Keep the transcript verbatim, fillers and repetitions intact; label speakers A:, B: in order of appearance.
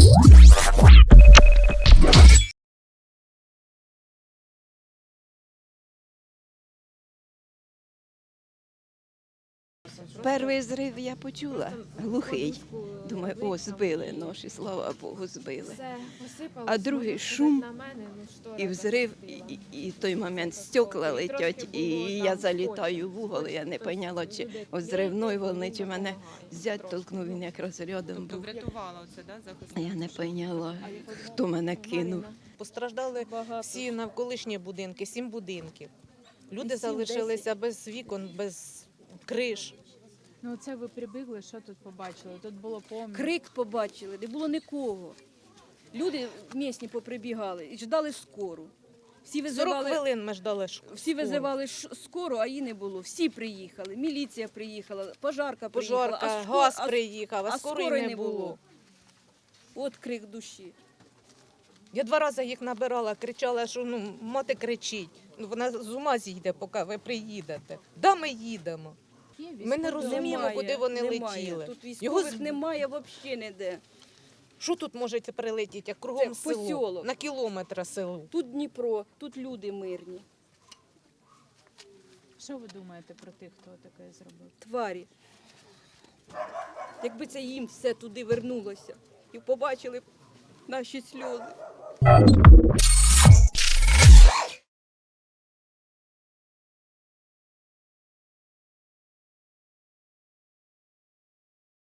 A: Перший зрив я почула, глухий. Думаю, о, збили ноші, слава Богу, збили. А другий шум і взрив, і, і, і той момент стекла летять, і я залітаю в угол, я не поняла, чи от зривної волни, чи мене зять толкнув, він якраз рядом був.
B: Врятувала оце, да, захисник?
A: Я не поняла, хто мене кинув.
C: Постраждали всі навколишні будинки, сім будинків. Люди залишилися без вікон, без криш.
B: Ну це ви прибігли, що тут побачили? Тут було повно.
D: Крик побачили, не було нікого. Люди місні поприбігали і ждали скору. Всі
C: сорок
D: визивали,
C: хвилин ми ждали школу.
D: всі визивали ш- скору, а її не було. Всі приїхали, міліція приїхала, пожарка приїхала,
C: Пожарка,
D: а, ско-
C: газ
D: а-
C: приїхав, а
D: а
C: скорої
D: скорої
C: не
D: не
C: було.
D: було. От крик душі.
C: Я два рази їх набирала, кричала, що ну, мати кричить. Ну, вона з ума зійде, поки ви приїдете. Да, ми їдемо. Ми не розуміємо,
D: Немає,
C: куди вони
D: немає.
C: летіли.
D: Тут
C: Його
D: військових
C: з-
D: немає взагалі ніде.
C: Що тут може прилетіти, як кругом
D: Це
C: село?
D: посілок.
C: На кілометр село.
D: Тут Дніпро, тут люди мирні,
B: Що ви думаєте про тих, хто таке зробив?
D: тварі. Якби це їм все туди вернулося і побачили б наші сльози.